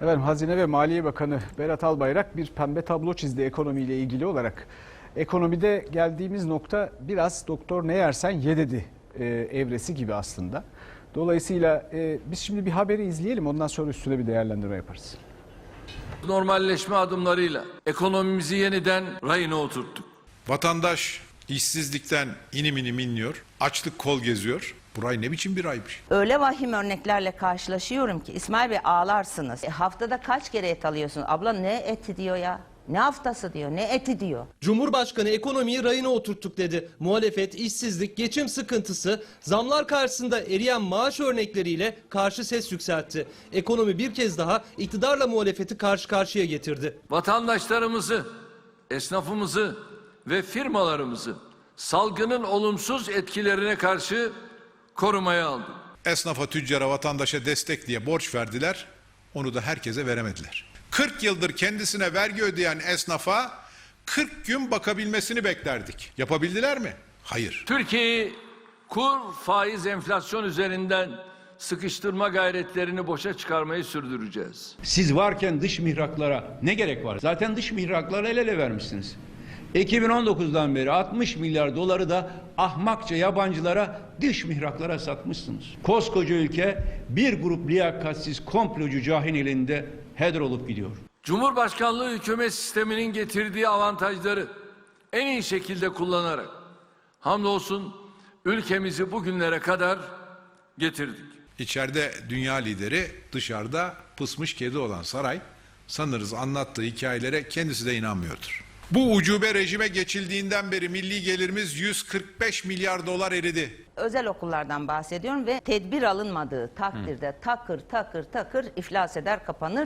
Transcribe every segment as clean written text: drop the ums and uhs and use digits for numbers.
Efendim, Hazine ve Maliye Bakanı Berat Albayrak bir pembe tablo çizdi ekonomiyle ilgili olarak. Ekonomide geldiğimiz nokta biraz doktor ne yersen ye dedi evresi gibi aslında. Dolayısıyla biz şimdi bir haberi izleyelim, ondan sonra üstüne bir değerlendirme yaparız. Normalleşme adımlarıyla ekonomimizi yeniden rayına oturttuk. Vatandaş işsizlikten inim inim inliyor, açlık kol geziyor. Bu ay ne biçim bir aymış? Öyle vahim örneklerle karşılaşıyorum ki İsmail Bey ağlarsınız. Haftada kaç kere et alıyorsun? Abla ne eti diyor ya? Ne haftası diyor, ne eti diyor. Cumhurbaşkanı ekonomiyi rayına oturttuk dedi. Muhalefet, işsizlik, geçim sıkıntısı, zamlar karşısında eriyen maaş örnekleriyle karşı ses yükseltti. Ekonomi bir kez daha iktidarla muhalefeti karşı karşıya getirdi. Vatandaşlarımızı, esnafımızı ve firmalarımızı salgının olumsuz etkilerine karşı korumaya aldık. Esnafa, tüccara, vatandaşa destek diye borç verdiler, onu da herkese veremediler. 40 yıldır kendisine vergi ödeyen esnafa 40 gün bakabilmesini beklerdik. Yapabildiler mi? Hayır. Türkiye'yi kur, faiz, enflasyon üzerinden sıkıştırma gayretlerini boşa çıkarmayı sürdüreceğiz. Siz varken dış mihraklara ne gerek var? Zaten dış mihraklara el ele vermişsiniz. 2019'dan beri 60 milyar doları da ahmakça yabancılara, dış mihraklara satmışsınız. Koskoca ülke bir grup liyakatsiz komplocu cahil elinde heder olup gidiyor. Cumhurbaşkanlığı hükümet sisteminin getirdiği avantajları en iyi şekilde kullanarak hamdolsun ülkemizi bugünlere kadar getirdik. İçeride dünya lideri, dışarıda pısmış kedi olan saray, sanırız anlattığı hikayelere kendisi de inanmıyordur. Bu ucube rejime geçildiğinden beri milli gelirimiz 145 milyar dolar eridi. Özel okullardan bahsediyorum ve tedbir alınmadığı takdirde takır takır takır iflas eder, kapanır.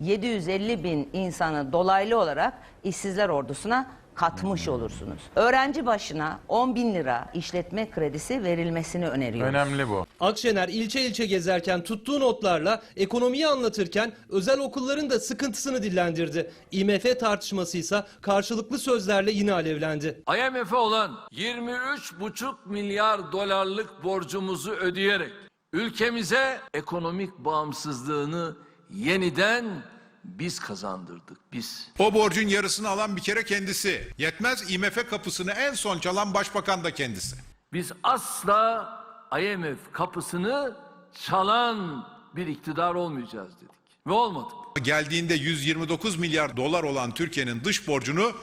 750 bin insanı dolaylı olarak işsizler ordusuna katmış olursunuz. Öğrenci başına 10 bin lira işletme kredisi verilmesini öneriyoruz. Önemli bu. Akşener ilçe ilçe gezerken tuttuğu notlarla ekonomiyi anlatırken özel okulların da sıkıntısını dillendirdi. IMF tartışması ise karşılıklı sözlerle yine alevlendi. IMF'e olan 23,5 milyar dolarlık borcumuzu ödeyerek ülkemize ekonomik bağımsızlığını yeniden biz kazandırdık, biz. O borcun yarısını alan bir kere kendisi. Yetmez, IMF kapısını en son çalan başbakan da kendisi. Biz asla IMF kapısını çalan bir iktidar olmayacağız dedik. Ve olmadık. Geldiğinde 129 milyar dolar olan Türkiye'nin dış borcunu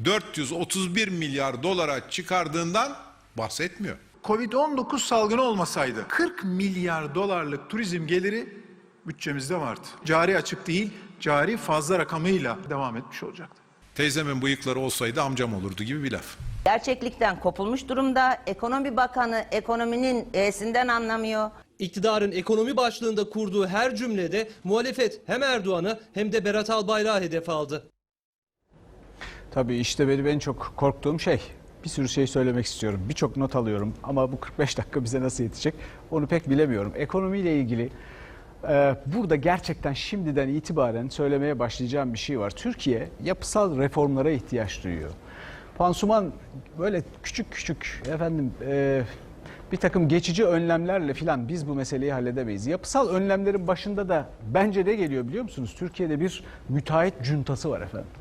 431 milyar dolara çıkardığından bahsetmiyor. Covid-19 salgını olmasaydı 40 milyar dolarlık turizm geliri bütçemizde vardı. Cari açık değil, cari fazla rakamıyla devam etmiş olacaktı. Teyzemin bıyıkları olsaydı amcam olurdu gibi bir laf. Gerçeklikten kopulmuş durumda. Ekonomi Bakanı ekonominin E'sinden anlamıyor. İktidarın ekonomi başlığında kurduğu her cümlede muhalefet hem Erdoğan'ı hem de Berat Albayrak'ı hedef aldı. Tabii işte benim en çok korktuğum şey, bir sürü şey söylemek istiyorum. Birçok not alıyorum ama bu 45 dakika bize nasıl yetecek onu pek bilemiyorum. Ekonomiyle ilgili burada gerçekten şimdiden itibaren söylemeye başlayacağım bir şey var. Türkiye yapısal reformlara ihtiyaç duyuyor. Pansuman böyle küçük küçük bir takım geçici önlemlerle filan biz bu meseleyi halledemeyiz. Yapısal önlemlerin başında da bence ne geliyor biliyor musunuz? Türkiye'de bir müteahhit cuntası var efendim.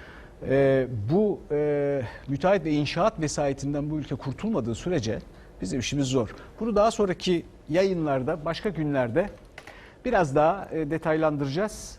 Bu müteahhit ve inşaat vesayetinden bu ülke kurtulmadığı sürece bizim işimiz zor. Bunu daha sonraki yayınlarda, başka günlerde biraz daha detaylandıracağız.